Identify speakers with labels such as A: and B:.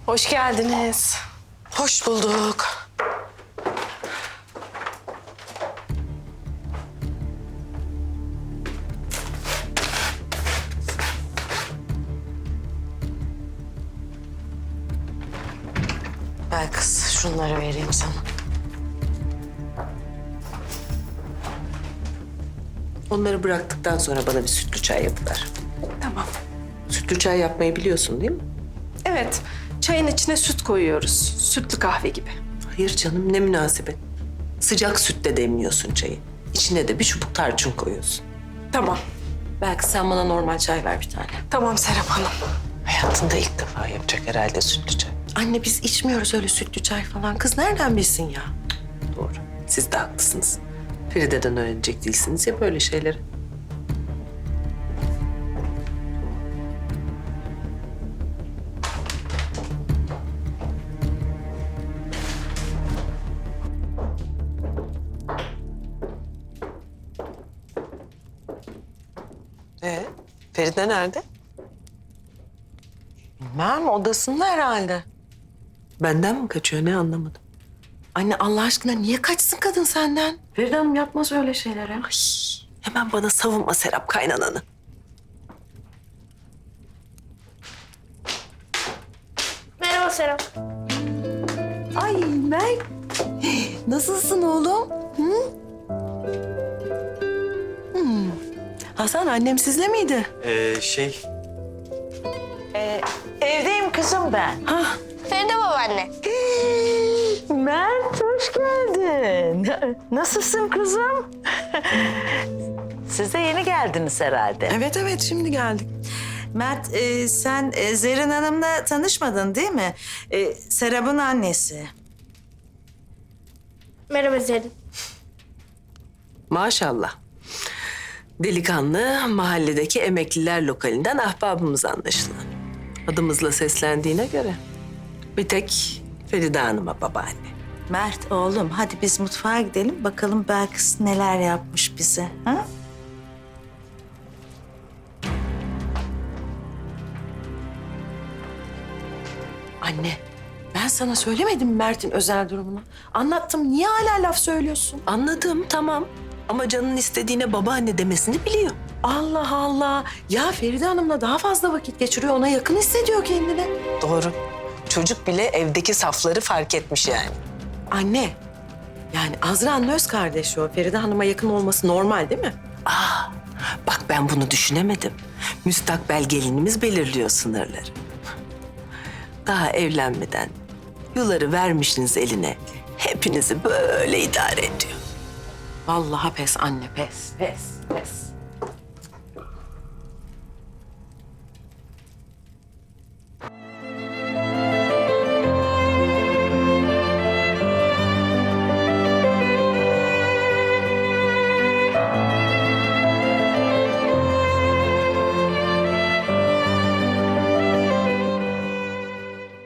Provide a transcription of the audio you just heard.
A: Hoş geldiniz.
B: Hoş bulduk. Belkıs, şunları vereyim sana. Onları bıraktıktan sonra bana bir sütlü çay yapıver.
A: Tamam.
B: Sütlü çay yapmayı biliyorsun değil mi?
A: Evet, çayın içine süt koyuyoruz. Sütlü kahve gibi.
B: Hayır canım, ne münasebet. Sıcak sütle demliyorsun çayı. İçine de bir çubuk tarçın koyuyorsun.
A: Tamam.
B: Belki sen bana normal çay ver bir tane.
A: Tamam Serap Hanım.
B: Hayatında ilk defa yapacak herhalde sütlü çay. Anne biz içmiyoruz öyle sütlü çay falan. Kız nereden bilsin ya? Doğru. Siz de haklısınız. Feride'den öğrenecek değilsiniz ya böyle şeyleri. Feride nerede?
C: Bilmem, odasında herhalde.
B: Benden mi kaçıyor, ne anlamadım.
C: Anne Allah aşkına niye kaçsın kadın senden?
A: Feride Hanım yapmaz öyle şeyleri.
B: Ay, hemen bana savunma Serap kaynananı.
D: Merhaba Serap.
C: Ay Mert, nasılsın oğlum? Hı? Hasan annem sizle miydi?
E: Evdeyim kızım ben.
D: Feride babaanne.
E: Mert hoş geldin. Nasılsın kızım? Siz de yeni geldiniz herhalde.
C: Evet şimdi geldik.
F: Mert, sen Zerrin Hanım'la tanışmadın değil mi? Serap'ın annesi.
D: Merhaba Zerrin.
B: Maşallah. Delikanlı mahalledeki emekliler lokalinden ahbabımız anlaşılan. Adımızla seslendiğine göre bir tek Feride Hanım'a babaanne.
F: Mert oğlum hadi biz mutfağa gidelim bakalım Belkıs neler yapmış bize. Ha?
C: Anne, ben sana söylemedim mi Mert'in özel durumunu? Anlattım, niye hala laf söylüyorsun?
B: Anladım, tamam. Ama canın istediğine babaanne demesini biliyor.
C: Allah Allah. Ya Feride Hanım'la daha fazla vakit geçiriyor, ona yakın hissediyor kendini.
B: Doğru. Çocuk bile evdeki safları fark etmiş yani.
C: Anne, yani Azra'nın öz kardeşi o. Feride Hanım'a yakın olması normal değil mi?
B: Bak ben bunu düşünemedim. Müstakbel gelinimiz belirliyor sınırları. Daha evlenmeden yuları vermişsiniz eline. Hepinizi böyle idare ediyor.
C: Vallahi pes anne, pes.